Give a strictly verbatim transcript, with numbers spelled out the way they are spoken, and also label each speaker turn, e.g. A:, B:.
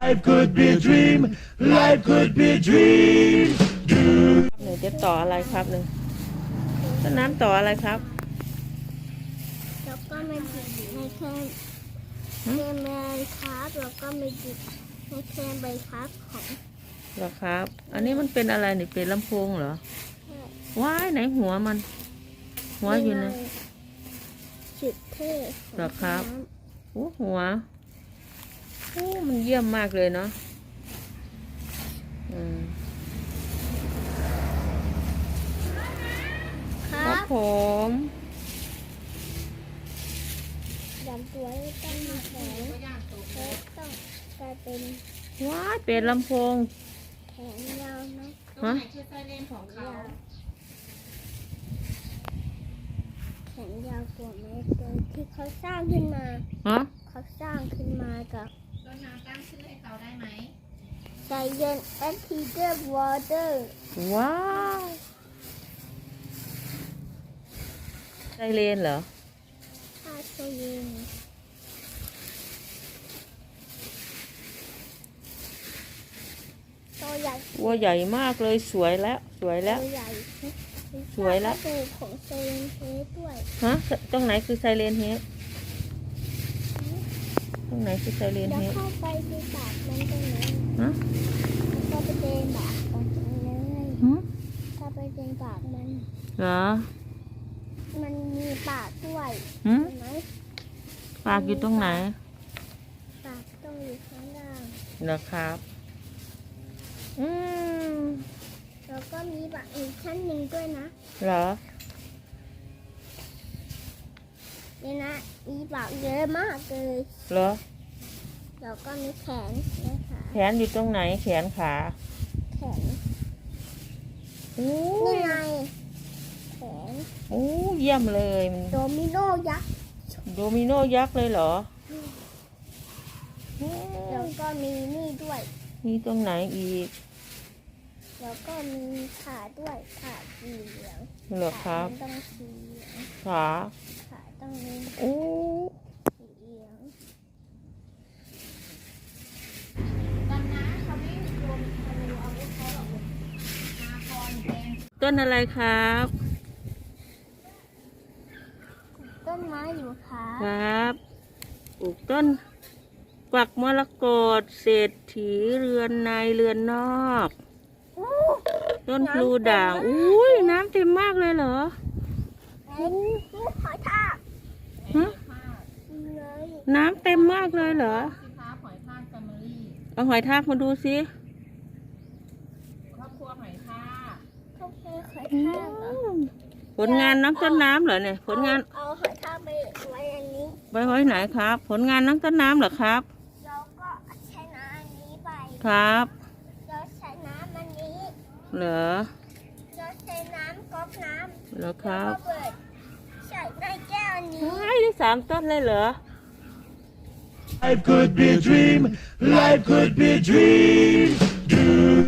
A: Life could be a dream. Life could be a dream. Do.
B: หนูจะต่ออะไรครับหนึ่งต้นน้ำต่ออะไรครับ
C: แล้วก็มาจิบในแค่แค่แมนครับแล้วก็มาจิบในแค่ใบพัดของ
B: เหรอครับ อันนี้มันเป็นอะไรนี่เป็นลำโพงเหรอ
C: แค่
B: ว้ายไหนหัวมัน หัวอยู่ไหน
C: จุดเท่
B: เหรอครับ โอ้หัวโอ้มันเยี่ยมมากเลยเนาะอืม
C: ค
B: ค
C: รั
B: รับบ ผม
C: ดำตัวต้องมีแขนและต้องกลายเป็น
B: ว้ายเป็นลำโพง
C: แขนยาวไหม
B: ฮะ
D: คือไซเรนของเขา
C: ยาวแขนยาวกว่าเมตรเลยที่เขาสร้างขึ้นมา
B: ฮะ
C: เขาสร้างขึ้นมากับ
D: ต้นน้ำตั้งชื่อให้เขาได้ไหม
C: ไซเยนแอนทีเดอร์วอเตอร์
B: ว้าวไซเรนเหรอ
C: ถ้าไซเยนตัวใหญ่
B: วัวใหญ่มากเลยสวยแล้ว สวยแล้ว
C: ตัวใหญ่
B: สวยละ
C: ดูของไซเยนเฮดด้วย
B: ฮะ ตรงไหนคือไซเรนเฮดตรงไหนคือไซเรน
C: แล้ว
B: เฮด
C: เข้าไปในปากมันตรงไหน
B: ฮะ
C: เข้าไปเดินปากมันตรงเลย
B: หืม
C: เข้าไปเดินปากมัน
B: เหรอ
C: มันมีปากด้วย
B: หืม
C: เห็นไหม
B: ปากอยู่ตรงไหน
C: ปากต้องอยู่ข้างล่าง
B: เหรอครับ อืม
C: แล้วก็มีปากอีกชั้นหนึ่งด้วยนะ
B: เหรอ
C: นี่นะมีปากเยอะมากเลย
B: เหรอ
C: แล้วก็มีแขนนะคะ
B: แขนอยู่ตรงไหน แขนขา
C: แขน
B: โอ้
C: นี่
B: ย
C: ไงแขน
B: โอ้เยี่ยมเลยมัน
C: โดมิโนยักษ์
B: โดมิโนยักษ์เลยเหรอโอ้
C: แล้วก็มีนี่ด้วย
B: มีตรงไหนอีก
C: แล้วก็มีขาด้วยขาสีเหลือง
B: เหรอครับ
C: ขามันต้องสีเหลือง
B: ขา
C: ขาต้องมี
B: โอ้
C: สีเหลือง
D: ตอนน้ำเขาไม่รวมทะลุอาวุธเขาหรอกนาคอนแดง
B: ต้นอะไรครับ
C: ต้นไม้อยู่ขา
B: ครับปลูกต้นกวักมรกตเศรษฐีเรือนในเรือนนอก
C: อู้
B: ต้นพลูด่าง อุ้ยน้ำเต็มมากเลยเหรอ
C: ไหนลูกหอยทาก
B: ฮะ
C: เลย
B: น้ำเต็มมากเลยเหรอ
D: สิค้าหอยทากแฟมิลี่
B: เอาหอยทากมาดูสิ
D: ครอบครัวหอยทาก
C: เขาแค่หอยทากเหรอ
B: ผลงานน้องต้นน้ำเหรอเนี่ย ผลงาน
C: เอาหอยทากไปไว้อันนี้
B: ไว้ไว้ไหนครับ ผลงานน้องต้นน้ำเหรอครับ
C: แล้วก็ใช้น้ำอันนี้ไป
B: ครับ
C: แล้วใช้น้ำอันนี้
B: เหรอ
C: แล้วใช้น้ำก๊อกน้ำ
B: เหรอค
C: แล้ว
B: รับ
C: ก็เปิดใส่ในแก้วอันนี้
B: ว้ายได้สามต้นเลยเหรอ
A: Life could be a dream. Life could be a dream. Do.